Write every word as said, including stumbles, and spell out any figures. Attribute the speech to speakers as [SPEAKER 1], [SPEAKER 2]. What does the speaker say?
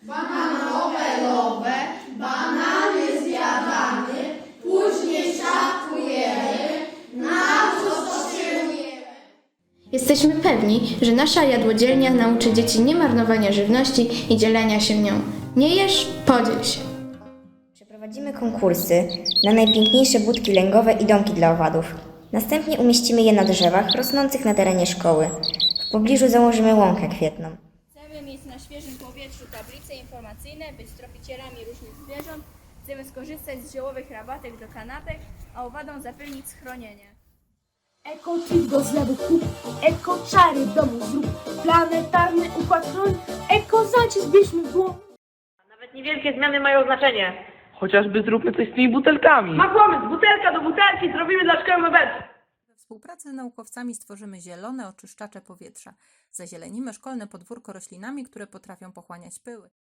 [SPEAKER 1] bananowe, banany zjadamy, później szafujemy, na co potrzebujemy.
[SPEAKER 2] Jesteśmy pewni, że nasza jadłodzielnia nauczy dzieci nie marnowania żywności i dzielenia się nią. Nie jesz, podziel się.
[SPEAKER 3] Przeprowadzimy konkursy na najpiękniejsze budki lęgowe i domki dla owadów. Następnie umieścimy je na drzewach rosnących na terenie szkoły. W pobliżu założymy łąkę kwietną.
[SPEAKER 4] Chcemy mieć na świeżym powietrzu tablice informacyjne, być tropicielami różnych zwierząt. Chcemy skorzystać z ziołowych rabatek do kanapek, a owadom zapewnić schronienie.
[SPEAKER 5] Eko-chip do zlewu kup, eko-czary w domu zrób, planetarny układ chroń, eko-zacisk bierzmy w dłoń.
[SPEAKER 6] Nawet niewielkie zmiany mają znaczenie.
[SPEAKER 7] Chociażby zróbmy coś z tymi butelkami.
[SPEAKER 6] Ma pomysł, butelka do butelki, zrobimy dla szkoły mebelki.
[SPEAKER 8] We współpracy z naukowcami stworzymy zielone oczyszczacze powietrza. Zazielonimy szkolne podwórko roślinami, które potrafią pochłaniać pyły.